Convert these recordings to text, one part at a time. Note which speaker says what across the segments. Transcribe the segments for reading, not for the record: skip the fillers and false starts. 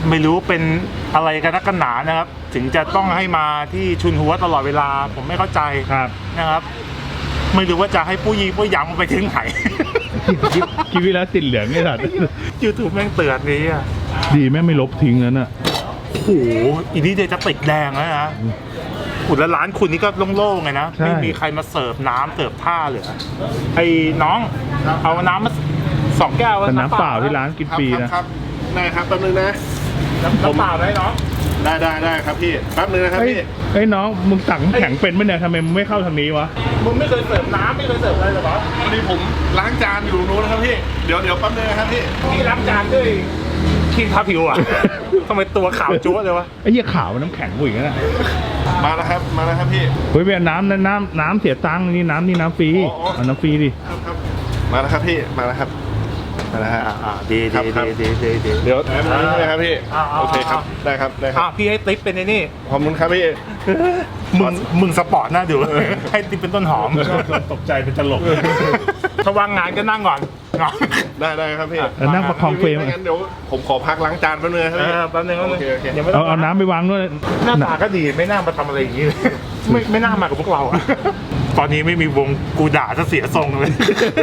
Speaker 1: ไม่รู้เป็นอะไรกันนักกันหนานะครับถึงจะต้องให้มาที่ชุนหัวตลอดเวลาผมไม่เข้าใจนะครับไม่รู้ว่าจะให้ผู้ยำไปถึงไหน
Speaker 2: คลิปแล้วติดเหลืองไอ้สัตว์
Speaker 1: YouTube แม่งเตือนนี้อ่ะ
Speaker 2: ดีแม่ไม่ลบทิ้งแล้วน่ะ
Speaker 1: โอ้โหอีนี้เดี๋ยวจะติดแดงแล้วนะขุดแล้วร้านคุณนี่ก็โล่งๆไงนะไม่มีใครมาเสิร์ฟน้ำเสิร์ฟท่าเหลือไอ้น้องเอาน้ำมา2 แก้ว
Speaker 2: น้ำเปล่าที่ร้านกินฟรีนะครับ
Speaker 3: ได้ครับแป๊บนึงนะ
Speaker 1: น้ำเปล่าได้น้อง
Speaker 3: ได้ครับพี่แป๊บนึงนะครับพี่
Speaker 2: เฮ้ยน้องมึงตักน้ำแข็งเป็นไหมเนี่ยทำไมมึงไม่เข้าทางนี้วะ
Speaker 1: มึงไม่เคยเสิร์ฟน้ำไม่เคยเสิร์ฟอะไรหรอ
Speaker 3: พอดีผมล้างจานอยู่นู้นนะครับพี่เดี๋ยวแป๊บนึงนะครับ
Speaker 1: พี่ล้างจานด้วยขี้ทาผิวอ่ะทำไมตัวขาวจั๊วเลยวะ
Speaker 2: ไอ้เหี้ยขาวน้ำแข็งกูอีกแล้ว
Speaker 3: มาแล้วครับพี่
Speaker 2: เฮ้ยเป็นน้ำเสียตังค์นี่น้ำฟรีเอาน้ำฟรีดิ
Speaker 3: ครับมาแล้วครับพี่มาแล้วครับมาแล้วฮะ
Speaker 1: ดี
Speaker 3: เดี๋ยวนี่นะครับพี่โอเคครับได้ครับ
Speaker 1: พี่ให้ติ๊บเป็นนี่
Speaker 3: ขอบคุณครับพี่
Speaker 1: มึงสปอร์ตน่าดูให้ติ๊บเป็นต้นหอม
Speaker 2: ตกใจเป็นตลก
Speaker 1: ถ้าว่างงานก็นั่งก่อน
Speaker 3: ได้ครับพี่
Speaker 2: นั่งประคองเฟรม
Speaker 3: งั้นเดี๋ยวผมขอพักล้างจานแป๊บนึงครับ
Speaker 1: แป๊บนึง
Speaker 2: เอาน้ำไปวางด้วย
Speaker 1: หน้าตาก็ดีไม่น่ามาทำอะไรอย่างนี้ไม่น่ามากับพวกเราตอนนี้ไม่มีวงกูด่าจะเสียทรงเลย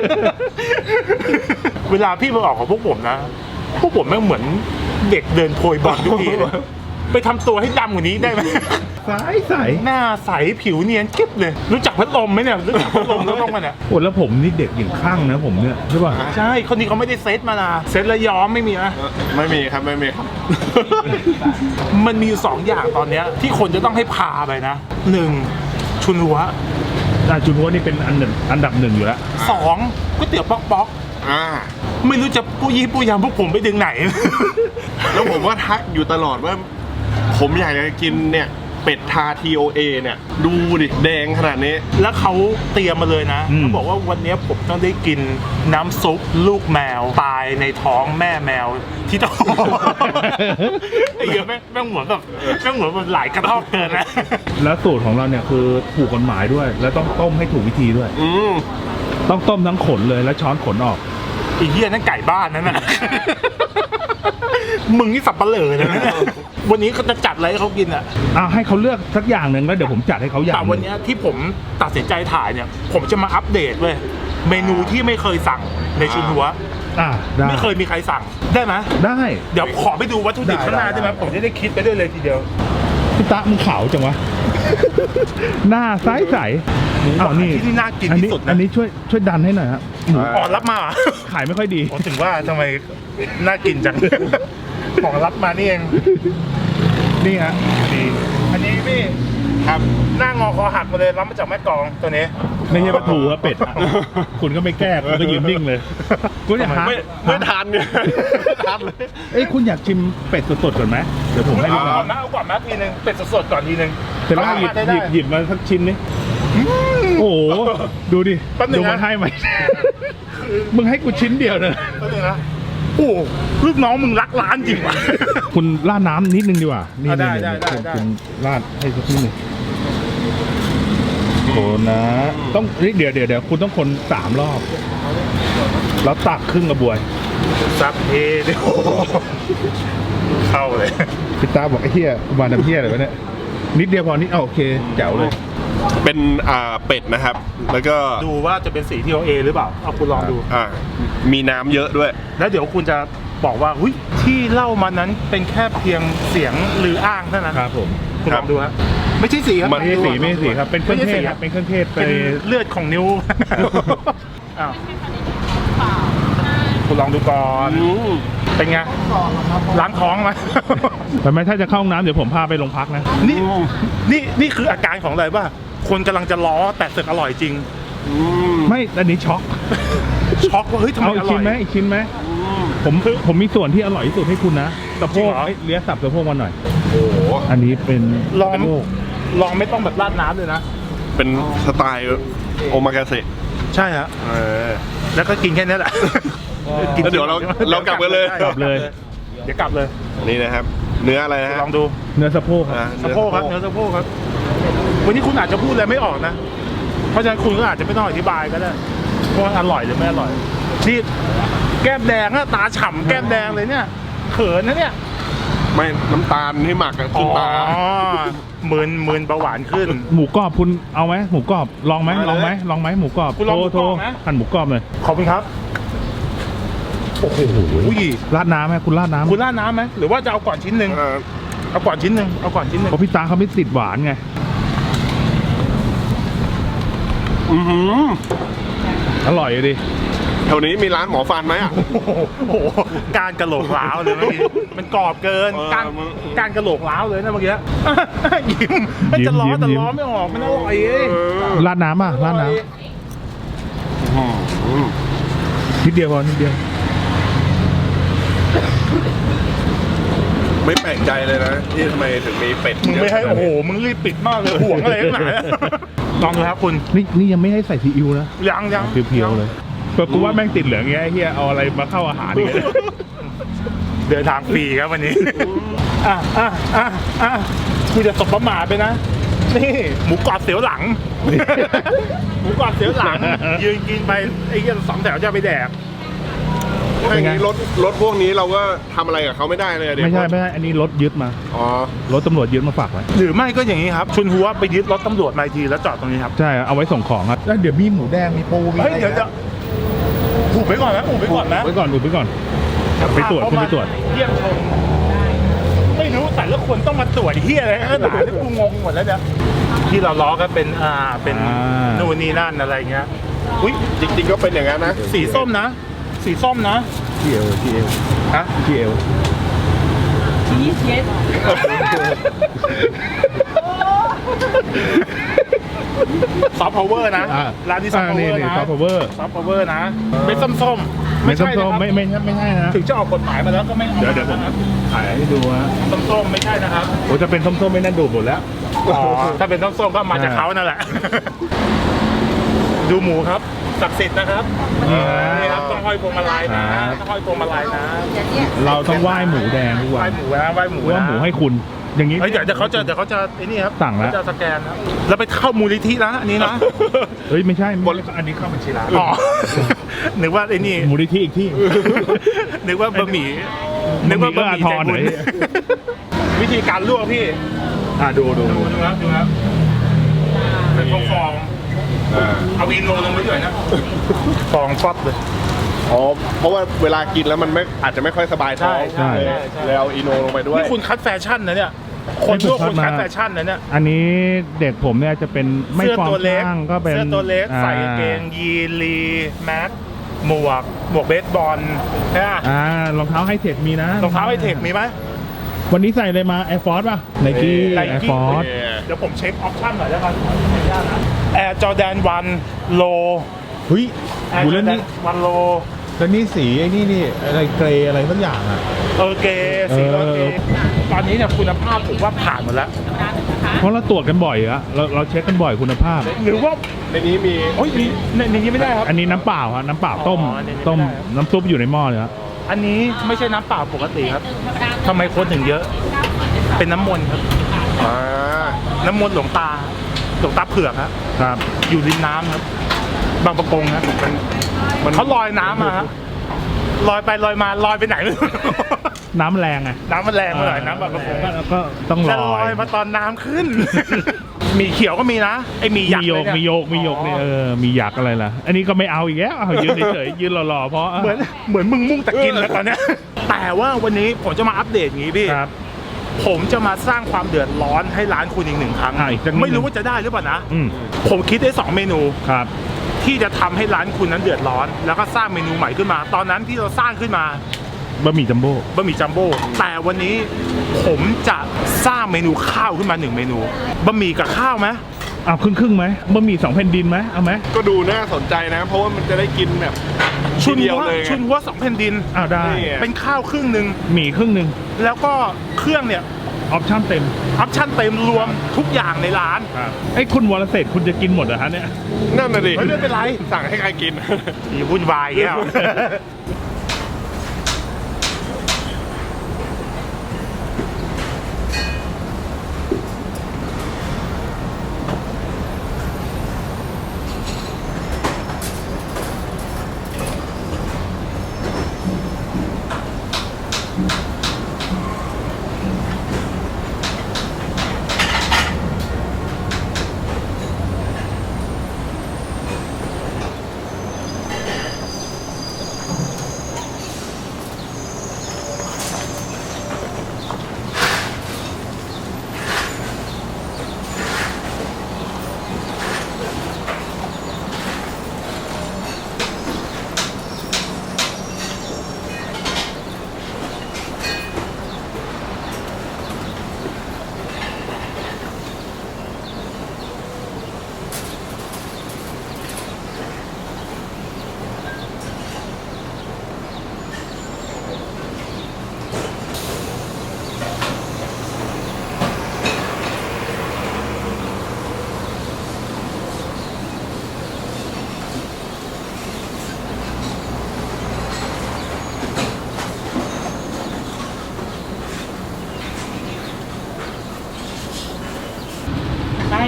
Speaker 1: เวลาพี่มาออกของพวกผมนะพวกผมไม่เหมือนเด็กเดินโพยบอลทุกทีไปทำตัวให้ดำกว่านี้ได้ไหม
Speaker 2: ใส
Speaker 1: หน้าใสผิวเนียนกิ๊บเลยรู้จักพัดลมไหมเนี่ยรู้จักพัดลมแล้วต้องมาเนี่ย
Speaker 2: โอ้แล้วผมนี่เด็กอย่างข้างนะผมเนี่ยใช่ป่ะ
Speaker 1: ใช่คนนี้เขาไม่ได้เซตมานะเซตแล้วย้อมไม่มีนะ
Speaker 3: ไม่มีครับ
Speaker 1: มันมี2 อย่างตอนเนี้ยที่คนจะต้องให้พาไปนะ1ชุนหัว
Speaker 2: ชุนหัวนี่เป็นอันดับ 1อยู่แล้ว
Speaker 1: 2ก๋วยเตี๋ยวป๊อกไม่รู้จะปูยำพวกผมไปถึงไหน
Speaker 3: แล้วผมว่าทักอยู่ตลอดว่าผมอยากจะกินเนี่ยเป็ดทา TOA เนี่ยดูดิแดงขนาดนี้
Speaker 1: แล้วเขาเตรียมมาเลยนะเขาบอกว่าวันนี้ผมต้องได้กินน้ำซุปลูกแมวตายในท้องแม่แมวที่ท้องไอ้เหี้ยแม่งเหมือนแบบหลายกระทอกเกินนะ
Speaker 2: แล้วสูตรของเราเนี่ยคือถูกกฎหมายด้วยแล้วต้องต้มให้ถูกวิธีด้วยต้องต้มทั้งขนเลยแล้วช้อนขนออก
Speaker 1: ไอ้เหี้ยนั่นไก่บ้านนั่นน่ะมึงนี่สับปะเหร่อเลยนะวันนี้เขาจะจัดอะไรให้เขากินอ่ะ
Speaker 2: ให้เขาเลือกสักอย่างหนึ่งแล้วเดี๋ยวผมจัดให้เขาอย่าง
Speaker 1: แต่วันนี้ที่ผมตัดสินใจถ่ายเนี่ยผมจะมาอัปเดตเลยเมนูที่ไม่เคยสั่งในชุนหัวไม่เคยมีใครสั่งได้ไหม
Speaker 2: ได้
Speaker 1: เดี๋ยวขอไปดูวัตถุดิบข้างหน้าได้ไหมผมจะได้คิดไปด้วยเลยทีเดียว
Speaker 2: พี่ตามึงขาวจังวะหน้าใส
Speaker 1: นี่ที่น่ากินที่สุดนะ
Speaker 2: อันนี้ช่วยดันให้หน่อยครับ
Speaker 1: รับมา
Speaker 2: ขายไม่ค่อยดี
Speaker 1: ถึงว่าทำไมน่ากินจังของรับมานี่เอง
Speaker 2: นี่ฮะ
Speaker 1: ดีอันนี้พี่ครับหน้างอคอหักมาเลยรับมาจากแม่กองตัวนี้
Speaker 2: ไม่ใช่ปลาทูครับเป็ดคุณก็ไม่แก้คุณก็ยืนนิ่งเลยคุณอยาก
Speaker 3: ไม่ทานเนี่ยทานเลย
Speaker 2: คุณอยากชิมเป็ดสดๆก่อนไหมเดี๋ยวผมให้ดู
Speaker 1: ก่อนนะเอาก่อนนะทีนึงเป็ดสดๆก่อนทีนึง
Speaker 2: เสร็จแล้วหยิบมาสักชิ้นนี้โอ้โหดูดิดูมันให้ไหมมึงให้กูชิ้นเดียวเลย
Speaker 1: นะโอ้ลูกน้องมึงรักร้านจริงว่ะ
Speaker 2: คุณราดน้ำนิดนึงดีกว่านี่คุณราดให้สักนิดนึงคนนะต้องเดี๋ยวคุณต้องคน3 รอบแล้วตักครึ่งกระบวย
Speaker 1: ซับเฮ้เดี๋ยวเข้าเลย
Speaker 2: พี่ตาบอกไอ้เหี้ยมาทำเหี้ยอะไรวะเนี่ยนิดเดียวพอนิดโอเคแจ๋วเลย
Speaker 3: เป็นเป็ดนะครับแล้วก็
Speaker 1: ดูว่าจะเป็นสีที่เราหรือเปล่าเอาคุณลองดู
Speaker 3: มีน้ำเยอะด้วย
Speaker 1: แล้วเดี๋ยวคุณจะบอกว่าที่เล่ามานั้นเป็นแค่เพียงเสียงหรืออ้างเท่านั้น
Speaker 2: ครับผม
Speaker 1: คุณลองดูฮะไม่ใช่สีครับ
Speaker 2: ไม่ใช่สีครับเป็นเครื่องเทศเป็นเครื่องเทศ
Speaker 1: เป็นเลือดของนิ้วคุณลองดูก่อนเป็นไงล้างท้องไหม
Speaker 2: แต่ไม่ถ้าจะเข้าห้องน้ำเดี๋ยวผมพาไปโรงพักนะ
Speaker 1: นี่คืออาการของอะไรป่ะคนกำลังจะล้อแต่เสร็จอร่อยจริง
Speaker 2: ไม่อันนี้ช็อก
Speaker 1: ว่าเฮ้ยทำไมอร่อย
Speaker 2: อีกชิ้นไหมผมมีส่วนที่อร่อยที่สุดให้คุณนะสะโพกเลี้ยสับสะโพกมาหน่อย
Speaker 3: โอ้
Speaker 2: อันนี้เป็น
Speaker 1: ลองไม่ต้องแบบราดน้ำเลยนะ
Speaker 3: เป็นสไตล์โอมากาเสะ
Speaker 1: ใช่ฮะแล้วก็กินแค่นี้แหละ
Speaker 3: เดี๋ยวเรากลับกันเลย
Speaker 1: เดี๋ยวกลับเลย
Speaker 3: นี่นะครับเนื้ออะไรนะ
Speaker 1: ลองดู
Speaker 2: เนื้อสะโพกครับ
Speaker 1: เนื้อสะโพกครับวันนี้คุณอาจจะพูดอะไรไม่ออกนะเพราะฉะนั้นคุณก็อาจจะไม่ต้องอธิบายก็ได้ว่าอร่อยหรือไม่อร่อยนี่แก้มแดงอะตาฉ่ำแก้มแดงเลยเนี่ยเขินนะเนี่ย
Speaker 3: ไม่น้ำตาลที่หมักอะขึ้นตา
Speaker 1: อ๋อมืนเบาหวานขึ้น
Speaker 2: หมูกรอบคุณเอาไหมหมูกรอบลองไหม
Speaker 3: เอาเลย
Speaker 2: ลองไหมลองไหมหมูกรอบ
Speaker 1: คุณลองหมูกรอบไหม
Speaker 2: หั่นหมูกรอบเลย
Speaker 1: ขอบคุณครับ โอ้โห
Speaker 2: ราดน้ำไหมคุณราดน้ำ
Speaker 1: คุณราดน้ำไหมหรือว่าจะเอาก่อนชิ้นหนึ่ง
Speaker 3: เออ
Speaker 1: เอาก่อนชิ้นหนึ่งเอาก่อนชิ้นหนึ่ง
Speaker 2: เพราะพี่ตาเขาไม่ติดหวานไง
Speaker 3: อื้อหือ
Speaker 2: อร่อยดิ
Speaker 3: แถวนี้มีร้านหมอฟันไหมอ่ะ
Speaker 1: โอ้โหการกระโหลกล้าวเลยเมื่อกี้มันกรอบเกิน
Speaker 3: เออ
Speaker 1: การกระโหลกล้าวเลยนะเมื่อกี้ ยิ้มมันจะล้อแต่ล้อไม่ออกมันอร่อยเอ้ย
Speaker 2: ราดน้ำอ่ะราดน้
Speaker 3: อื้อหือ
Speaker 2: ำนิดเดียวพอนิดเดียว
Speaker 3: ไม่แปลกใจเลยนะที่ทำไมถึงมีเป็ด
Speaker 1: มึงไม่ให้โอ้โหมึงรีบปิดมากเลยห่วงอะไรนักหนาลองดูครับคุณ
Speaker 2: นี่ยังไม่ให้ใส่ซีอิ๊วนะ
Speaker 1: ยัง
Speaker 2: เพียวๆเลยแต่กูว่าแม่งติดเหลืองเงี้ยไอ้เฮียเอาอะไรมาเข้าอาหารเนี่ย
Speaker 1: เดินทางฟรีครับวันนี้กูจะตบประมาทไปนะนี่หมูกรอบเสียวหลัง หมูกรอบเสียวหลัง ยืนกินไปไอ้เหี้ย2 แถวจะไปแดก
Speaker 3: ถ้าอย่างนี้รถพวกนี้เราก็ทำอะไรกับเขาไม่ได้เลยอะเดี๋ยว
Speaker 2: ไม่ใช่อันนี้รถยึดมา
Speaker 3: อ๋อ
Speaker 2: รถตำรวจยึดมาฝากไว้
Speaker 1: หรือไม่ก็อย่างนี้ครับ ชุนหัวไปยึดรถตำรวจมาอีกทีแล้วจอดตรงนี้ครับ
Speaker 2: ใช่เอาไว้ส่งของครับแล้วเดี๋ยวมีหมูแดงมีปูมี
Speaker 1: เฮ้ยเดี๋ยวจะผูกไปก่อนนะผูกไปก่อนนะ
Speaker 2: ไว้ก่อนอุบไว้ก่อนไปตรวจคุณไปตรวจ
Speaker 1: เยี่ยมชมไม่รู้แต่ละคนต้องมาตรวจเฮียอะไรขนาดนี้กูงงหมดแล้วเนี่ยที่เราล้อก็เป็นเป็นนู่นนี่นั่นอะไรเงี้ยอุ้ย
Speaker 3: จริงๆก็เป็นอย่างนั้นนะ
Speaker 1: สีส้มนะ สีส้มนะ
Speaker 2: ที่เอว
Speaker 1: ฮะ
Speaker 2: ที่เอว
Speaker 1: ซอฟต์พาวเวอร์นะร้านที่ซอฟต์พาวเวอร์นะ
Speaker 2: ซอฟต์พาวเวอร์
Speaker 1: ซอฟต์พาวเวอร์นะเป็นส้มๆ
Speaker 2: ไม่
Speaker 1: ใช่
Speaker 2: ส้ม
Speaker 1: นะครับ
Speaker 2: ไม่ใช่นะ
Speaker 1: ถึงจะออกกฎหมายมาแล้วก็ไม่
Speaker 2: เดี๋ยวผมถ่ายให้ดูฮะ
Speaker 1: ส้มๆไม่ใช่นะครับ
Speaker 2: โอ้จะเป็นส้มๆไม่นั่นดูดหมดแล้ว
Speaker 1: อ๋อถ้าเป็นส้มๆก็มาจากเขานั่นแหละ ดูหมูครับศักดิ์สิทธิ์นะครับนี่ครับต้องห้อยพวงมาลัยนะต้องห้อยพวงมาลัยนะ
Speaker 2: เราต้องไหว้หมูแดงทุก
Speaker 1: ไห
Speaker 2: วั
Speaker 1: ว้
Speaker 2: น
Speaker 1: หมูนะไหว้หมู
Speaker 2: ว่า
Speaker 1: นะ
Speaker 2: หมูให้คุณ อย่างนี้
Speaker 1: เฮ้ยเดี๋ยวเขาจะไอ้นี่ครับ
Speaker 2: สั่งแล้ว
Speaker 1: เขาจะสแกนนะแล้วไปเข้ามูลนิธินะอันนี้นะ
Speaker 2: เฮ้ยไม่ใช่อันนี้เข้าบัญชีร้าน
Speaker 1: อ๋อ นึกว่าไอ้นี่
Speaker 2: มูลนิธิอีกที่
Speaker 1: นึกว่าบะหมี่นึกว่าบะหมี่ใจบุญวิธีการลวกพี่
Speaker 2: ดู
Speaker 1: ดูครับเป็นฟองเอาอินโนลงไปด้วยนะฟองฟอดเลย
Speaker 3: อ๋อ เพราะว่าเวลากินแล้วมันไม่อาจจะไม่ค่อยสบายท้อง
Speaker 1: ใช่
Speaker 3: เลยเอาอีโนลงไปด้วย
Speaker 1: นี่คุณคัดแฟชั่นนะเนี่ยคนลวกคุณคัดแฟชั่นนะเนี่ย
Speaker 2: อันนี้เด็กผมเนี่ยจะเป็นไม่
Speaker 1: เสื้อ
Speaker 2: ฟอร์ม
Speaker 1: ตัวเล็ก
Speaker 2: ข้างก็เป็น
Speaker 1: เสื้อตัวเล็กใส่กางเกงยีนลีแมสหมวกเบสบอลนะ
Speaker 2: รองเท้าไฮเทคมีนะ
Speaker 1: รองเท้าไฮเทคมีไหม
Speaker 2: วันนี้ใส่เลยมา Air Force ป่ะ Nike Air Force
Speaker 1: เดี๋ยวผมเช็คออปชั่นหน่อยแล้วกันแอร์จอแดน1โล
Speaker 2: เฮ้ย
Speaker 1: แอร์
Speaker 2: ดู
Speaker 1: จอ
Speaker 2: เล่น
Speaker 1: แด
Speaker 2: นี่
Speaker 1: น1โล
Speaker 2: แล้วนี่สีไอ้นี่อะไรเกรย์อะไรสักอย่างอ่ะ
Speaker 1: เกสีเกตอนนี้เนี่ยคุณภาพผมว่าผ่านหมดแล้ว
Speaker 2: เพราะเราตรวจกันบ่อยอะเราเช็คกันบ่อยคุณภาพ
Speaker 1: หรือว่า
Speaker 3: ในนี้มี
Speaker 1: โอ้ยในนี้ไม่ได้ครับ
Speaker 2: อันนี้น้ำเปล่าครับน้ำเปล่าต้ม
Speaker 1: อ๋ออันนี้ไม่ได้
Speaker 2: ต้มน้ำซุปอยู่ในหม้อเลยครับ
Speaker 1: อันนี้ไม่ใช่น้ำเปล่าปกติครับทำไมคนถึงเยอะ เป็นน้ำมนต์ครับ
Speaker 3: อ่า
Speaker 1: น้ำมนต์หลวงตาเผือกครับ
Speaker 2: ครับ
Speaker 1: อยู่ริมน้ำครับ บางประกงครับเขาลอยน้ำมาครับลอยไปลอยมาลอยไปไหนไม่รู้
Speaker 2: น้ำแรงไง
Speaker 1: น้ำมันแรงมาหน่อยน้ำบางประกง
Speaker 2: ก็ต้องล
Speaker 1: แต่ล
Speaker 2: อ
Speaker 1: อย ยมาตอนน้ำขึ้น มีเขียวก็มีนะไอมีหยัก
Speaker 2: มีโยก
Speaker 1: เลย
Speaker 2: มีโยกเนี่ยมีหยักอะไรล่ะ อันนี้ก็ไม่เอาอีกแล้วเอายืนเฉยๆยืนหล่อๆเพราะ
Speaker 1: เหมือนมึงมุ่งแต่กินแล้วตอนเนี้ยแต่ว่าวันนี้ผมจะมาอัปเดตอย่างนี้พี่
Speaker 2: ครับ
Speaker 1: ผมจะมาสร้างความเดือดร้อนให้ร้านคุณอีกหนึ่งครั้ง
Speaker 2: อีกสักนิดนึง
Speaker 1: ไม่รู้ว่าจะได้หรือเปล่านะ
Speaker 2: อืม
Speaker 1: ผมคิดได้2เมนู
Speaker 2: ครับ
Speaker 1: ที่จะทำให้ร้านคุณนั้นเดือดร้อน แล้วก็สร้างเมนูใหม่ขึ้นมา ตอนนั้นที่เราสร้างขึ้นมา
Speaker 2: บะหมี่จัมโบ้
Speaker 1: บะหมี่จัมโบ้แต่วันนี้ผมจะสร้างเมนูข้าวขึ้นมา1เมนูบะหมี่กับข้าวไหม
Speaker 2: เอาครึ่งไหมบะหมี่2แผ่นดินไหมเอาไหม
Speaker 3: ก็ดูน่าสนใจนะ เพราะว่ามันจะได้กินแบบ
Speaker 1: ชุน
Speaker 3: ทีเดียว
Speaker 1: หัว
Speaker 3: เลยไง
Speaker 1: ชุนหัว2แผ่นดิน
Speaker 2: อ้าวได้
Speaker 3: นี่ไง
Speaker 1: เป็นข้าวครึ่งหนึ่ง
Speaker 2: หมี่ครึ่งหนึ่ง
Speaker 1: แล้วก็เครื่องเนี่ย
Speaker 2: ออปชั่นเต็ม
Speaker 1: ออปชั่นเต็มรวมทุกอย่างในร้าน
Speaker 2: ครับไอ้คุณวรเศรษฐ์คุณจะกินหมดเหรอฮะเนี่ย
Speaker 3: นั่นน่ะดิ
Speaker 1: เฮ้ยไม่เป็นไร
Speaker 3: สั่งให้ใครกิน
Speaker 1: มีวุ่นวายแก้ว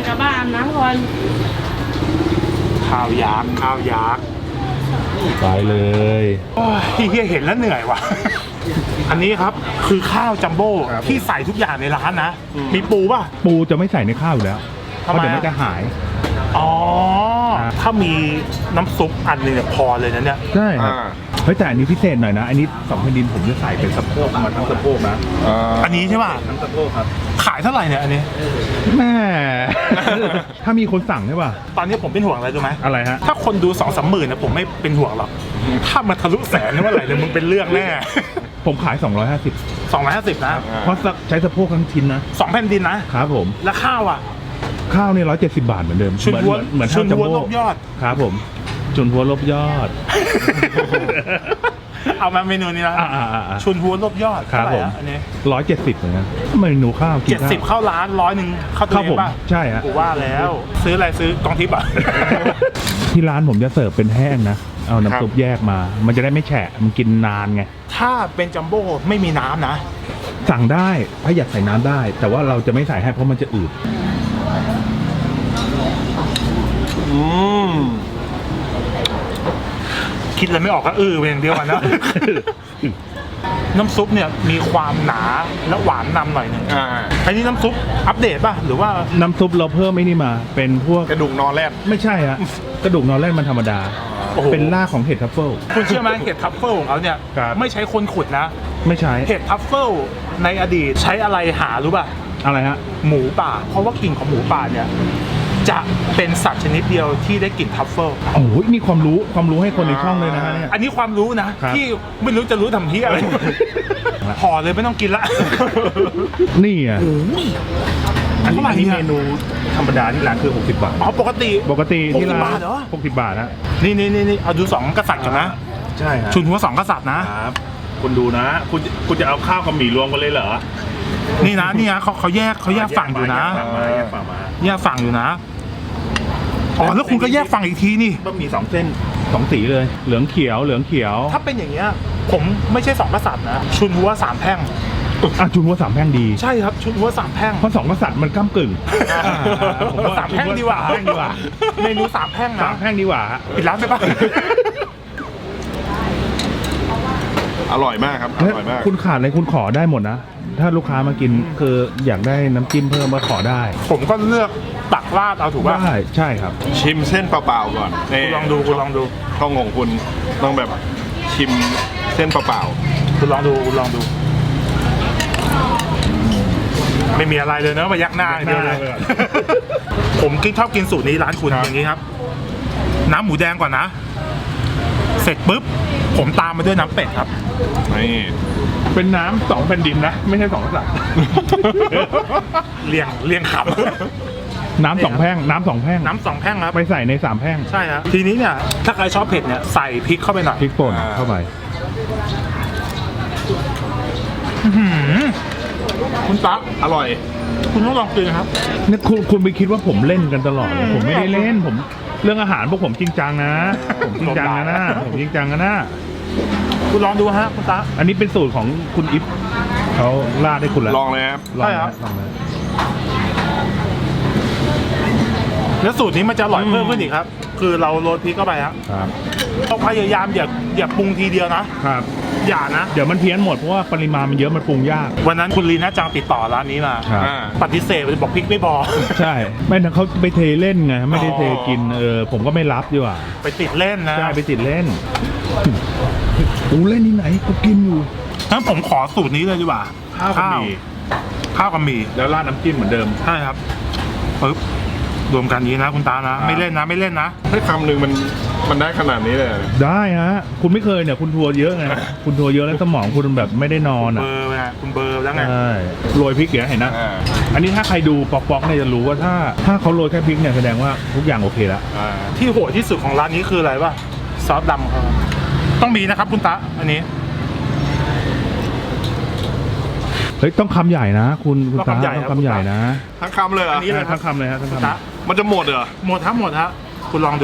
Speaker 4: กลับบ้านอาบน้ำก่อน
Speaker 1: ข้าวยักษ์ข้าวยักษ์
Speaker 2: ไปเลย
Speaker 1: โอ้ยเฮียเห็นแล้วเหนื่อยว่ะ อันนี้ครับคือข้าวจัมโบ้ที่ใส่ทุกอย่างในร้านนะ มีปูป่ะ
Speaker 2: ปูจะไม่ใส่ในข้าวอยู่แล้วเพ
Speaker 1: ทำไม
Speaker 2: ราะเดี๋ยวมันจะหาย
Speaker 1: อ๋อ
Speaker 2: ครับ
Speaker 1: ถ้ามีน้ำซุปอันหนึงเนี่ยพอเลยนะเนี่ย
Speaker 2: ใช่ครับ
Speaker 3: อ่า
Speaker 2: เฮ้ยแต่อันนี้พิเศษหน่อยนะ อันนี้2แผ่นดินผมจะใส่เป็นสะโพกมาทั้งสะโพกนะ
Speaker 1: อันนี้ใช่ป่ะ
Speaker 2: ทั้งสะโพกครับ
Speaker 1: ขายเท่าไหร่เนี่ยอันนี้
Speaker 2: แม่ ถ้ามีคนสั่งใช่ป่ะ
Speaker 1: ตอนนี้ผมเป็นห่วงอะไรรู้ไหม
Speaker 2: อะไรฮะ
Speaker 1: ถ้าคนดู2-3หมื่นนะผมไม่เป็นห่วงหรอก ถ้ามันทะลุแสนนี่เมื่อไหร่เนี่ยมึงเป็นเรื่องแน่
Speaker 2: ผมขาย 250
Speaker 1: 250นะ
Speaker 2: เพราะใช้สะโพกทั้งชิ้นนะ
Speaker 1: 2แผ่นดินนะครับ
Speaker 2: ผม
Speaker 1: แล้วข้าวอ่ะ
Speaker 2: ข้าวนี่170 บาทเหมือนเดิม
Speaker 1: ชุนหัว
Speaker 2: เหมือน
Speaker 1: ชุ
Speaker 2: ข้าวน จัม
Speaker 1: หัว
Speaker 2: โบ้
Speaker 1: ลบยอด
Speaker 2: ครับผมชุนหัวลบยอด
Speaker 1: เอามาเมนูนี้นะ
Speaker 2: อ่า
Speaker 1: ชุนหัวลบยอด
Speaker 2: ครับ
Speaker 1: เท่าไห
Speaker 2: ผม
Speaker 1: อะอันนี้
Speaker 2: 170เหมือนกันเมนูข้าวกินข้าว
Speaker 1: 70เข้าร้าน100เข้า
Speaker 2: ค
Speaker 1: ตั
Speaker 2: รั
Speaker 1: ว
Speaker 2: บ
Speaker 1: เอ
Speaker 2: ผ
Speaker 1: ง
Speaker 2: ม
Speaker 1: ป่ะ
Speaker 2: ใช่ฮะ
Speaker 1: กูว่าแล้ว ซื้ออะไรซื้อกองทิพย์อ่ะ
Speaker 2: ที่ร้านผมจะเสิร์ฟเป็นแห้งนะ เอาน้ำซุปแยกมา มันจะได้ไม่แฉะ มันกินนานไง
Speaker 1: ถ้าเป็นจัมโบ้ไม่มีน้ำนะ
Speaker 2: สั่งได้ถ้าอยากใส่น้ำได้ แต่ว่าเราจะไม่ใส่ให้เพราะมันจะอืด
Speaker 3: อืม
Speaker 1: คิดอะไรไม่ออกก็เป็นอย่างเดียวกันนะ น้ำซุปเนี่ยมีความหนาและหวานนำหน่อยหนึง
Speaker 3: อ่า
Speaker 1: อันนี้น้ำซุปอัปเดตป่ะหรือว่า
Speaker 2: น้ำซุปเราเพิ่มไม่นี่มา เป็นพวก
Speaker 3: กระดูกนอนแรด
Speaker 2: ไม่ใช่ฮะ กระดูกนอนแรดมันธรรมดา
Speaker 1: โอ้โห
Speaker 2: เป็นรากของเห็ดทัฟเฟิล
Speaker 1: คุณเชื่อไหมเห็ดทัฟเฟิลของเขาเนี่ย
Speaker 2: ครับ
Speaker 1: ไม่ใช้คนขุดนะ
Speaker 2: ไม่ใช่
Speaker 1: เห็ดทัฟเฟิลในอดีตใช้อะไรหารู้ป่ะ
Speaker 2: อะไรฮะ
Speaker 1: หมูป่า เพราะว่ากลิ่นของหมูป่าเนี่ยจะเป็นสัตว์ชนิดเดียวที่ได้กลิ่นทัฟเฟิล
Speaker 2: โอ้โหนี่ความรู้ให้คนในช่องเลยนะฮะเนี่ย
Speaker 1: อันนี้ความรู้นะครับ ที่ไม่รู้จะรู้ทำที่อะไรห่อเลยไม่ต้องกินละ
Speaker 2: นี่อ่ะ อันนี้
Speaker 1: เท่าไหร่
Speaker 2: อันนี้
Speaker 1: เนี่ย
Speaker 2: เมนูธรรมดาที่ร้านคือ60 บาท
Speaker 1: อ๋อปกติ
Speaker 2: ปกติที่ร้า
Speaker 1: 60 บาน ทเหรอ
Speaker 2: 60 บาทนะ
Speaker 1: นี่เอาดู2กษัตริย์กันนะ
Speaker 2: ใช่ฮะ
Speaker 1: ชุนหัว2กษัตริย์นะ
Speaker 2: ครับคุณดูนะ คุณจะเอาข้าวกับหมี่รวมกันเลยเหรอ
Speaker 1: นี่นะเขาแยกฝั่งอยู่นะ
Speaker 2: แยกฝั่งมา
Speaker 1: แยกฝั่งอยู่นะอ๋อแล้วคุณก็แยกฝั่งอีกทีนี่
Speaker 2: บะหมี่2 เส้น 2 สีเลย เหลืองเขียว
Speaker 1: ถ้าเป็นอย่างเงี้ยผมไม่ใช่2กษัตริย์นะ ชุนหัว3แพร่ง
Speaker 2: อ่ะจุนหัว3 แพร่งดี
Speaker 1: ใช่ครับชุนหัว3แพร่ง
Speaker 2: เพราะ2 กษัตริย์มันก้ากึ่ง
Speaker 1: ผมว่า3แพร่งดีกว่า
Speaker 2: 3 แพร่งดีกว่า
Speaker 1: เมนู3แพร่งนะ
Speaker 2: 3 แพร่งดีกว่าฮะ
Speaker 1: ปิดร้านไปปะ
Speaker 3: อร่อยมากครับ อร่อยมาก
Speaker 2: คุณขาดอะไรคุณขอได้หมดนะ ถ้าลูกค้ามากินคืออยากได้น้ำจิ้มเพิ่มมาขอได้
Speaker 1: ผมก็เลือกตักราดเอาถูกป่ะ
Speaker 2: ได้ใช่ครับ
Speaker 3: ชิมเส้นเปล่าๆก่อนนี่
Speaker 1: คุณลองดู
Speaker 3: ช่องของคุณต้องแบบชิมเส้นเปล่า
Speaker 1: คุณลองดู ไม่มีอะไรเลยเนอะมายักหน้าอย่างเดียวเลย
Speaker 2: ยักหน้าไปก่อน
Speaker 1: ผมชอบกินสูตรนี้ร้านคุณอย่างนี้ครับ น้ำหมูแดงก่อนนะ เสร็จปุ๊บ ผมตามมาด้วยน้ำเป็ดครับ
Speaker 3: ๆนี่
Speaker 2: เป็นน้ำ2 แผ่นดินนะ ไม่ใช่2 กษัตริย์
Speaker 1: เรียงขับ
Speaker 2: น้ำ 2 แพร่งน้ำ 2 แพร่ง
Speaker 1: น้ำ2แพร่งครับ
Speaker 2: ไปใส่ใน 3 แพร่ง
Speaker 1: ใช่ครับทีนี้เนี่ยถ้าใครชอบเผ็ดเนี่ยใส่พริกเข้าไปหน่อย
Speaker 2: พริกป่นเข้าไป
Speaker 1: อื้อหือคุณตั๊ก
Speaker 3: อร่อย
Speaker 1: คุณต้องลองกินครับ
Speaker 2: นี่คุณไปคิดว่าผมเล่นกันตลอดเลยผมไม่ได้เล่นผมเรื่องอาหารพวกผมจริงจังนะ ผมจริงจังนะผมจริงจังนะ
Speaker 1: คุณลองดูฮะคุณตั๊ก
Speaker 2: อันนี้เป็นสูตรของคุณอิฟเขาราดให้คุณแล้ว
Speaker 3: ลองเลยครับ
Speaker 2: ลอง
Speaker 1: ใช่ครั
Speaker 2: นะ
Speaker 1: บ
Speaker 2: ลองนะ
Speaker 1: แล้วสูตรนี้มันจะอร่อยเพิ่มขึ้นอีกครับ คือเราโรยพริกเข้าไปครับ
Speaker 2: ครับ
Speaker 1: ต้องพยายามอย่าปรุงทีเดียวนะ
Speaker 2: ครับ
Speaker 1: อย่านะ
Speaker 2: เดี๋ยวมันเพี้ยนหมดเพราะว่าปริมาณมันเยอะมันปรุงยาก
Speaker 1: วันนั้นคุณลีน่าจังติดต่อร้านนี้มา
Speaker 2: ครับ
Speaker 3: อ่า
Speaker 1: ปฏิเสธบอกพริกไม่พอ
Speaker 2: ใช่ไม่นะเขาไปเทเล่นไงไม่ได้เทกินผมก็ไม่รับดีกว่า
Speaker 1: ไปติดเล่นนะ
Speaker 2: ใช่ไปติดเล่นกูเล่นที่ไหนกูกินอยู่
Speaker 1: งั้นผมขอสูตรนี้เลยดีกว่า
Speaker 2: ข้าวกับหมี่
Speaker 1: ข้าวกับหมี่
Speaker 2: แล้วราดน้ำจิ้มเหมือนเดิม
Speaker 1: ใช่ครับปึ๊บรวมกันนี้นะคุณตานะ
Speaker 2: ครับ
Speaker 1: ไม่เล่นนะไม่เล่นนะ
Speaker 3: ให้คำหนึ่งมันได้ขนาดนี้เลยเหรอ
Speaker 2: ได้ฮะคุณไม่เคยเนี่ยคุณทัวร์เยอะไงคุณทัวร์เยอะแล้วสมองคุณแบบไม่ได้นอน
Speaker 1: เบ
Speaker 2: อ่ะ
Speaker 1: อร์ไงคุณเบอร์แล้วไง
Speaker 2: ใช่โรยพริกเดี๋ยวเห็นนะ
Speaker 3: อ่า
Speaker 2: อันนี้ถ้าใครดูป๊อกๆเนี่ยจะรู้ว่าถ้าเขาโรยแค่พริกเนี่ยแสดงว่าทุกอย่างโอเคแล้ว
Speaker 3: อ่า
Speaker 1: ที่โหดที่สุดของร้านนี้คืออะไรวะซอสดำครับต้องมีนะครับคุณตาอันนี้
Speaker 2: เฮ้ยต้องคำใหญ่นะ คุณ
Speaker 1: ต้อง
Speaker 2: ตา
Speaker 1: คำใหญ่
Speaker 2: ต้อง
Speaker 1: ครับ
Speaker 2: คำใหญ่นะ
Speaker 3: ทั้งคำเลยเหร
Speaker 1: อั
Speaker 3: อ่ะ
Speaker 1: นนี้เลยครับ
Speaker 2: ทั้งคำเลยฮะทั้ง
Speaker 1: คุณ
Speaker 2: คำ
Speaker 1: ตา
Speaker 3: มันจะหมดเหรอ
Speaker 1: หมดครับคุณลองดู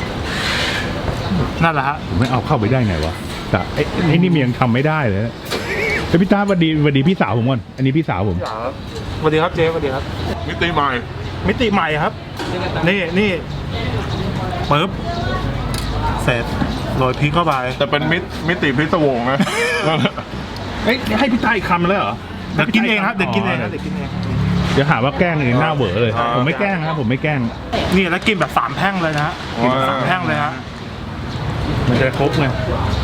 Speaker 1: นั่นแหละฮะ
Speaker 2: ผมไม่เอาเข้าไปได้ไงวะแต่ไอ้นี่มันยังทำไม่ได้เลยเฮ้ยพี่ตาสวัสดีพี่สาวผมก่อนอันนี้พี่สาวผม
Speaker 1: สวัสดีครับเจ๊สวัสดีครับ
Speaker 3: มิติใหม่
Speaker 1: มิติใหม่ครับ นี่ปึ๊บเสร็จโรยพริกเข้าไป
Speaker 3: แต่เป็นมิติพิศวงนะ
Speaker 2: เอ้ยให้พี่ตาอีกคำเลยเหรอ
Speaker 1: เดี๋ยวกินเองครับเดี๋ยวกินเองครับ
Speaker 2: เดี๋ยวหาว่าแกล้งเองหน้าเหวอเลย ผมไม่แกล้งนะครับผมไม่แกล้ง
Speaker 1: นี่แล้วกินแบบ3แท่งเลยนะกินแบบ3แท่งเลยฮะ
Speaker 2: มันจะครบไง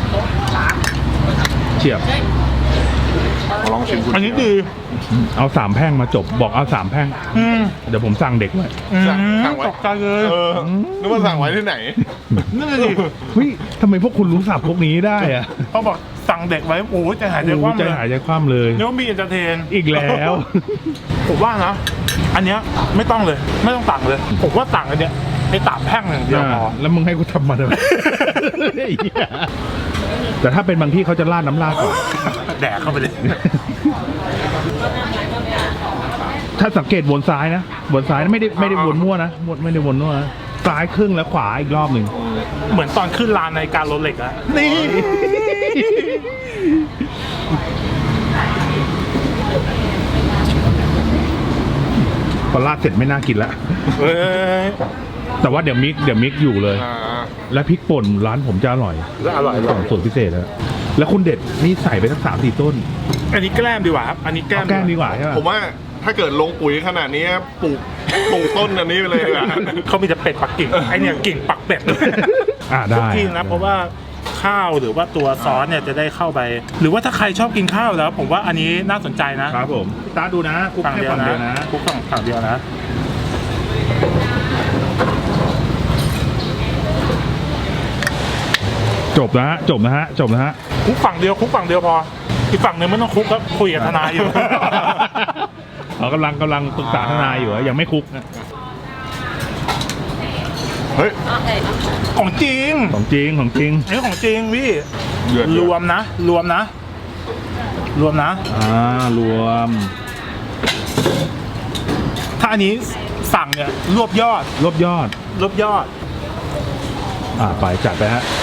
Speaker 2: เฉียบ
Speaker 3: ลองชิมคุณ
Speaker 1: อันนี้ดี
Speaker 2: เอา3แพร่งมาจบบอกเอา3แพร่ง
Speaker 1: อืม
Speaker 2: เดี๋ยวผมสั่งเด็กไว้
Speaker 3: สั่งไว้
Speaker 1: ตกใจเลย
Speaker 3: นึกว่าสั่งไว้ที่ไหน
Speaker 1: นั่นเลยดิ
Speaker 2: เฮ้ยทำไมพวกคุณรู้ศัพท์พวกนี้ได้อะ
Speaker 1: เขาบอกสั่งเด็กไว้โอ้ยใจหายใจคว่ำ
Speaker 2: ใจ
Speaker 1: เลย
Speaker 2: หายใจคว่ำเลย
Speaker 1: นึกว่ามีเอนเตอร์เทน
Speaker 2: อีกแล้ว
Speaker 1: ผมว่านะ อันเนี้ยไม่ต้องเลย ไม่ต้องสั่งเลย ผมว่าสั่งอันเนี้ยไอ้3แท่งอย่างเดียวพอ
Speaker 2: แล้วมึงให้กูทำมาทำไมแต่ถ้าเป็นบางที่เขาจะราดน้ำราดก่อน
Speaker 1: แดกเข้าไปเลย
Speaker 2: ถ้าสังเกตวนซ้ายนะวนซ้ายนะไม่ได้วนมั่วนะไม่ได้วนมั่วนะซ้ายครึ่งแล้วขวาอีกรอบหนึ่ง
Speaker 1: เหมือนตอนขึ้นลานในการรถเหล็กอะนี่
Speaker 2: พอราดเสร็จไม่น่ากินละ
Speaker 1: เอ้ย
Speaker 2: แต่ว่าเดี๋ยวมิกอยู่เลย และพริกป่นร้านผมจะอร่อย
Speaker 1: อร่อย
Speaker 2: ของสูตรพิเศษนะแล้วคุณเด็ดนี่ใส่ไปสัก3-4 ต้น
Speaker 1: อันนี้แกล้มดีกว่าครับ อันนี้แกล้ม
Speaker 2: เอาแกล้งดีกว่าใช่ไหม
Speaker 3: ผมว่าถ้าเกิดลงปุ๋ยขนาดนี้ปลูกต้นอันนี้ไปเลยดีกว่า
Speaker 1: เขามีแต่เป็ดปักกิ่ง ไอเนี่ยกิ่งปักเป็ด
Speaker 2: ได้
Speaker 1: ทุกที่นะเพราะว่าข้าวหรือว่าตัวซอสเนี่ยจะได้เข้าไป หรือว่าถ้าใครชอบกินข้าวแล้ว ผมว่าอันนี้น่าสนใจนะครับ
Speaker 2: ผมตาดูนะคุก
Speaker 1: ฝั่ง
Speaker 2: แค่
Speaker 1: เดียว
Speaker 2: ฝั่ง
Speaker 1: นะ
Speaker 2: เดียวนะ
Speaker 1: คุกฝั่งเดียวนะ
Speaker 2: จบนะฮะจบนะฮะ
Speaker 1: คุกฝั่งเดียวพออีกฝั่งหนึ่งไม่ต้องคุกครับคุยกับทนายอยู่
Speaker 2: เรากำลังปรึกษาทนายอยู่ยังไม่คุกนะ
Speaker 3: เฮ้ย
Speaker 1: ของจริง
Speaker 2: ของจริง
Speaker 1: อันนี้ของจริงพี่
Speaker 3: เดือด
Speaker 1: รวมนะ รวมนะ
Speaker 2: รวม
Speaker 1: ถ้าอันนี้สั่งเนี่ยรวบยอด
Speaker 2: รวบยอด ไปจัดไปฮะ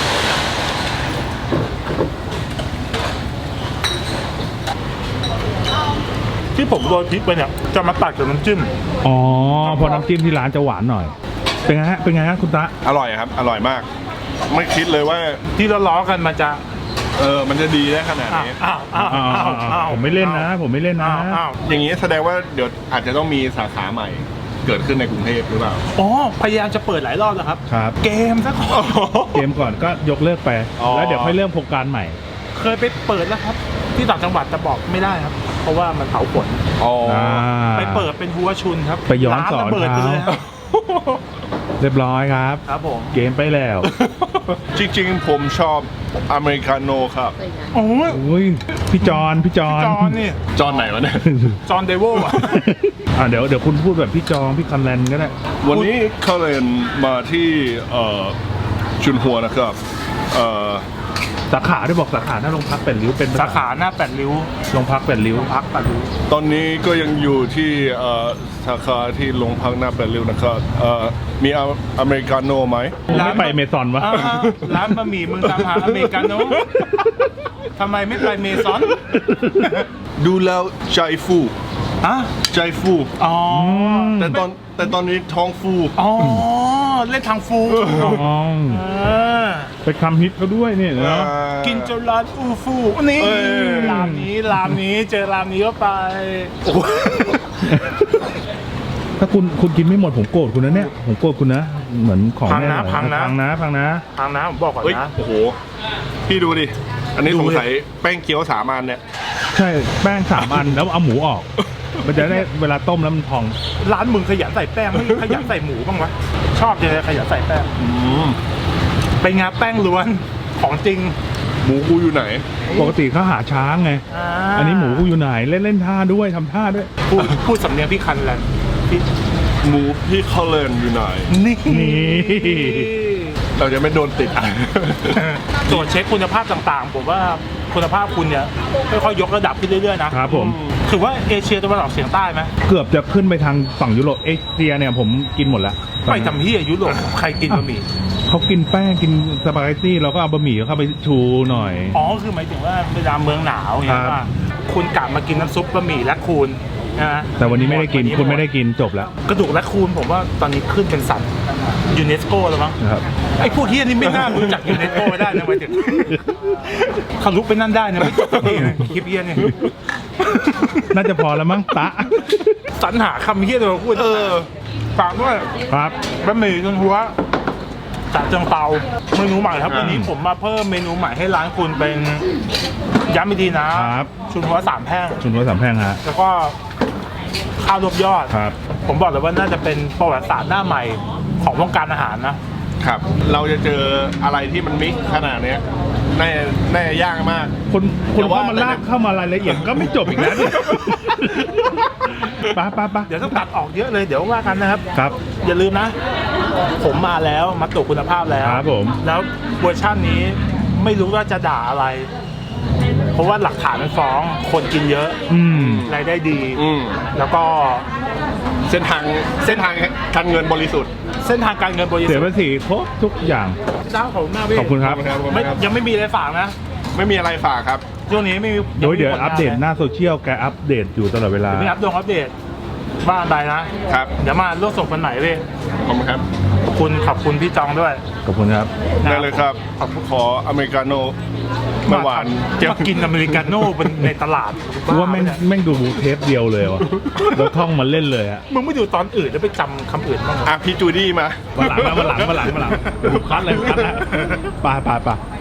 Speaker 1: ที่ผมโรยพริกไปเนี่ยจะมาตัดกับน้ำจิ้ม
Speaker 2: อ๋อพอน้ำจิ้มที่ร้านจะหวานหน่อย เป็นไงฮะคุณตะ
Speaker 3: อร่อยครับ อร่อยมาก ไม่คิดเลยว่า
Speaker 1: ที่ล้อๆกันมันจะ
Speaker 3: มันจะดีได้ขนาดนี้
Speaker 2: ผมไม่เล่นนะ
Speaker 1: อ้าว
Speaker 3: อย่างนี้แสดงว่าเดี๋ยวอาจจะต้องมีสาขาใหม่ เกิดขึ้นในกรุงเทพหรือเปล่า
Speaker 1: อ๋อพยายามจะเปิดหลายรอบแล้วครับ
Speaker 2: ครับ
Speaker 1: เกมซะก่อน
Speaker 2: เกมก่อนก็ยกเลิกไป
Speaker 3: อ๋อ
Speaker 2: แล้วเดี๋ยวค่อยเริ่มโครงการใหม่
Speaker 1: เคยไปเปิดแล้วครับ ที่ต่างจังหวัดจะบอกไม่ได้ครับ เพราะว่ามันเผาฝน ไปเปิดเป็นหัวชุนครับ
Speaker 2: ไปย้อนสอน
Speaker 1: ร้าระเบิดไปเลยครับ
Speaker 2: เรียบร้อยครับ
Speaker 1: ครับผม
Speaker 2: เกมไปแล้ว
Speaker 3: จริงๆ ผมชอบอเมริกาโน่ครับ
Speaker 1: โอ้ย
Speaker 2: อุ้ยพี่จอน
Speaker 1: จอนนี่
Speaker 3: จอนไหนวะเนี่ย
Speaker 1: จอนเดโวอ่ะ
Speaker 2: เดี๋ยวคุณพูดแบบพี่พี่คันแลนก็ได้
Speaker 3: วันนี้เขาเรียนมาที่ชุนหัวนะครับ
Speaker 2: สาขาได้บอกสาขาหน้าโรงพักเป็ดริ้วเป็น
Speaker 1: สาขาหน้าแปดริ้ว
Speaker 2: โรงพักเป็ดริ้ว
Speaker 1: พักแปดริ้ว
Speaker 3: ตอนนี้ก็ยังอยู่ที่สาขาที่โรงพักหน้าแปดริ้วนะครับมีอเมริกาโน่ไหม
Speaker 2: ไม่ไปเมซอนวะ
Speaker 1: ร้านบะหมี่มึงตามหาอเมริกาโน่ทำไมไม่ไปเมซอน
Speaker 3: ดูแล้วใจฟู
Speaker 1: อะ
Speaker 3: ใจฟู
Speaker 1: อ๋อ
Speaker 3: แต่ตอนนี้ท้องฟู
Speaker 1: อ๋อ เล่นทางฟู
Speaker 2: อ๋อ ไปคำฮิตเขาด้วยเนี่ยเนาะ
Speaker 1: กินจนร้านอูฟูนี่รามนี้เจอรามนี้ก็ไป
Speaker 2: ถ้าคุณกินไม่หมดผมโกรธคุณนะเนี่ยผมโกรธคุณนะเหมือนของแม่
Speaker 1: พังนะ
Speaker 2: พังนะ
Speaker 1: ทางนะผมบอกก่อน
Speaker 3: เฮ้ย
Speaker 1: นะ
Speaker 3: โอ้โห พี่ดูดิ อันนี้สงสัยแป้งเกี๊ยว3 อันเนี่ย
Speaker 2: ใช่แป้ง3 อันแล้วเอาหมูออก มันจะได้เวลาต้มแล้วมันพอง
Speaker 1: ร้านมึงขยันใส่แป้งไม่ขยันใส่หมูบ้างวะชอบเลยขยันใส่แป้งเป็นไงแป้งล้วนของจริง
Speaker 3: หมูกูอยู่ไหน
Speaker 2: ปกติเขาหาช้างไง อันนี้หมูกูอยู่ไหนเล่นท่าด้วยทำท่าด้วย
Speaker 1: พูดสำเนียงพี่คันแหละพี่
Speaker 3: หมูพี่เขาเลินอยู่ไหน
Speaker 1: นี่
Speaker 3: เราจะไม่โดนติด
Speaker 1: ตรวจเช็คคุณภาพต่างๆผมว่าคุณภาพคุณเนี่ยค่อยๆยกระดับขึ้นเรื่อยๆนะครับ
Speaker 2: ผม
Speaker 1: ถือว่าเอเชียตะวันออกเฉียงใต้ไหม
Speaker 2: เกือบจะขึ้นไปทางฝั่งยุโรปเอเชียเนี่ยผมกินหมดแล้ว
Speaker 1: ไปทำที่ยุโรปใครกินบะหมี่
Speaker 2: เขากินแป้งกินสปาเกตตี้เราก็เอาบะหมี่เข้าไปชูหน่อย
Speaker 1: อ๋อคือหมายถึงว่าเวลาเมืองหนาวอย่างเงี้ย
Speaker 2: ครับ
Speaker 1: ว่าคุณกลับมากินน้ำซุปบะหมี่และคูณนะ
Speaker 2: แต่วันนี้ไม่ได้กิน คุณไม่ได้กินจบแล้ว
Speaker 1: กระดูกและคูนผมว่าตอนนี้ขึ้นเป็นสัตว์ยูเนสโกแล้วมั้ง
Speaker 2: นะครับ
Speaker 1: ไอ้พวกเฮียนี่ไม่น่ารู้จักยูเนสโกไม่ได้นะหมายถึงเขาลุกไปนั่นได้นะไม่จบสักทีนะคลิปเฮียเนี่ย
Speaker 2: น่าจะพอแล้วมั้งตะ
Speaker 1: สรรหาคำเฮียเลยมาพูดฝากด้วย
Speaker 2: ครับ
Speaker 1: บะหมี่จนหัวจากเชียงเปาเมนูใหม่ครับวันนี้ผมมาเพิ่มเมนูใหม่ให้ร้านคุณเป็นย้ำอีกทีนะครับ ชุนหัว3แพร่ง
Speaker 2: ชุนหัวสามแพร่งฮะ
Speaker 1: แล้วก็ข้าวรวบยอด
Speaker 2: ครับ
Speaker 1: ผมบอกเลยว่าน่าจะเป็นประวัติศาสตร์หน้าใหม่ของวงการอาหารนะ
Speaker 3: ครับ เราจะเจออะไรที่มันมิกซ์ขนาดเนี้ยแน่ยากมาก
Speaker 2: คน
Speaker 3: แต่ว่า
Speaker 2: เข้ามาลากเข้ามารายละเอียดก็ไม่จบอีกแล้วเนี่ยไป
Speaker 1: เดี๋ยวต้องตัดออกเยอะเลยเดี๋ยวว่ากันนะครับ
Speaker 2: ครับ
Speaker 1: อย่าลืมนะ ผมมาแล้วมาตรวจคุณภาพแล้ว
Speaker 2: ครับผม
Speaker 1: แล้วเวอร์ชันนี้ไม่รู้ว่าจะด่าอะไร เพราะว่าหลักฐานมันฟ้องคนกินเยอะ
Speaker 2: อืม
Speaker 1: รายได้ดี
Speaker 3: อืม
Speaker 1: แล้วก็
Speaker 3: เส้นทางการเงินบริสุทธิ์
Speaker 1: เส้นทางการเงินบริสุท
Speaker 2: เสีย
Speaker 1: ธิ์
Speaker 2: ภาษีครบทุกอย่าง
Speaker 1: เจ้าของหน้าพี่
Speaker 2: ขอบคุณครับ
Speaker 1: ไม่ยังไม่มีอะไรฝากนะ
Speaker 3: ไม่มีอะไรฝากครับ
Speaker 1: ช่วงนี้ไม่มี
Speaker 2: โดยเดี๋ยว
Speaker 1: งไม่มีผลงาน
Speaker 2: อัปเดตหน้าโซเชียลแกอัปเดตอยู่ตลอดเวลา
Speaker 1: เดี๋ยวมีอัปเดตบ้านใดนะ
Speaker 3: ครับ
Speaker 1: เดี๋ยวมาร่วมส่งกันไหนพี่
Speaker 3: ขอบคุณครับ
Speaker 1: ขอบคุณพี่จองด้วย
Speaker 2: ขอบคุณครับ
Speaker 3: ได้เลยครับ ขออเมริกาโน่ไม่หวาน
Speaker 1: มากินอเมริกาโน่เป็นในตลาด
Speaker 2: กูว่าแม่งดูเทปเดียวเลยวะแล้วท่องมาเล่นเลยอะ
Speaker 1: มึงไม่ดูตอนอื่นแล้วไปจำคำอื่นบ้างเหรอ
Speaker 3: อ่ะพี่จูดี้มา
Speaker 2: วันหลังคัดเลยคัดแล้วไป